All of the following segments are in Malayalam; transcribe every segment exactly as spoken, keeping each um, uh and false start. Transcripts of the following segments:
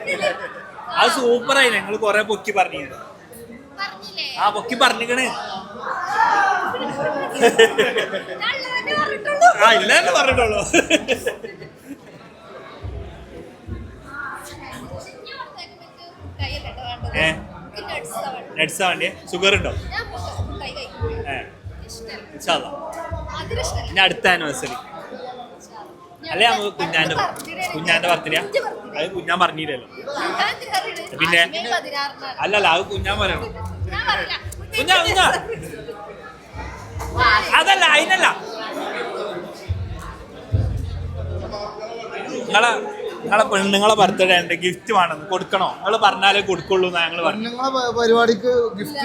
അത് സൂപ്പറായി. ഞങ്ങള് കൊറേ പൊക്കി പറഞ്ഞു. ആ പൊക്കി പറഞ്ഞിക്കണ്. ആ ഇല്ല തന്നെ പറഞ്ഞിട്ടുള്ളൂ. ഏ നട്സാ വേണ്ടിയ? ഷുഗർ ഉണ്ടോ? ഞാൻ അടുത്ത ആനിവേഴ്സറി അല്ലെ നമുക്ക് കുഞ്ഞാന്റെ കുഞ്ഞാന്റെ ബർത്ത്ഡേ. അത് കുഞ്ഞാൻ പറഞ്ഞില്ലല്ലോ. പിന്നെ അല്ലല്ല അത് കുഞ്ഞാൻ പറയണം. കുഞ്ഞാ കുഞ്ഞാ അതല്ല അതിനല്ല. നിങ്ങളെ നിങ്ങളെ പെണ്ണുങ്ങളെ ബർത്ത്ഡേ ഉണ്ട്, ഗിഫ്റ്റ് വേണം, കൊടുക്കണോ? നിങ്ങൾ പറഞ്ഞാലേ കൊടുക്കുള്ളൂ എന്നാ ഞങ്ങൾ പറഞ്ഞു. നിങ്ങളെ പരിപാടിക്ക് ഗിഫ്റ്റ്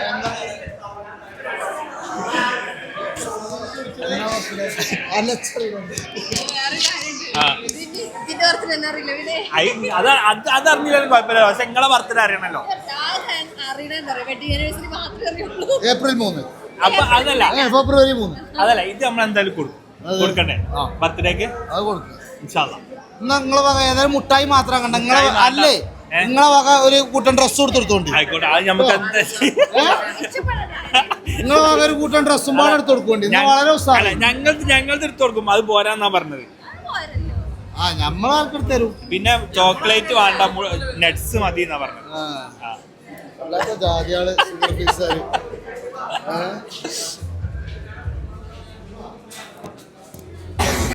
അതറിഞ്ഞില്ലാലും കുഴപ്പമില്ല. പക്ഷെ നിങ്ങളെ ബർത്ത്ഡേ അറിയണല്ലോ. ഏപ്രിൽ മൂന്ന്. അപ്പൊ അതല്ല ഫെബ്രുവരി മൂന്ന്. അതല്ല ഇത് നമ്മൾ എന്തായാലും കൊടുക്കും. കൊടുക്കണ്ടേ ബർത്ത്ഡേക്ക്? അത് കൊടുക്കും ഇൻഷാ അല്ലാ. നിങ്ങളെ വക ഏതായാലും മുട്ടായി മാത്രം കണ്ട നിങ്ങളെ അല്ലേ നിങ്ങളെ വക ഒരു കൂട്ടൻ ഡ്രസ് കൊടുത്തോണ്ട് ആയിക്കോട്ടെ. അത് നമുക്ക് എന്താ നിങ്ങളെ വക ഒരു കൂട്ടൻ ഡ്രസ്സും പാടെ എടുത്ത് കൊടുക്കോണ്ടി. വളരെ ഞങ്ങൾക്ക് ഞങ്ങൾക്ക് എടുത്ത് കൊടുക്കും. അത് പോരാന്നാ പറഞ്ഞത്. ആ ഞമ്മളാൾക്ക് തരും. പിന്നെ ചോക്ലേറ്റ് വേണ്ട, നട്സ് മതി എന്നാ പറഞ്ഞത്. ജാതിയാള്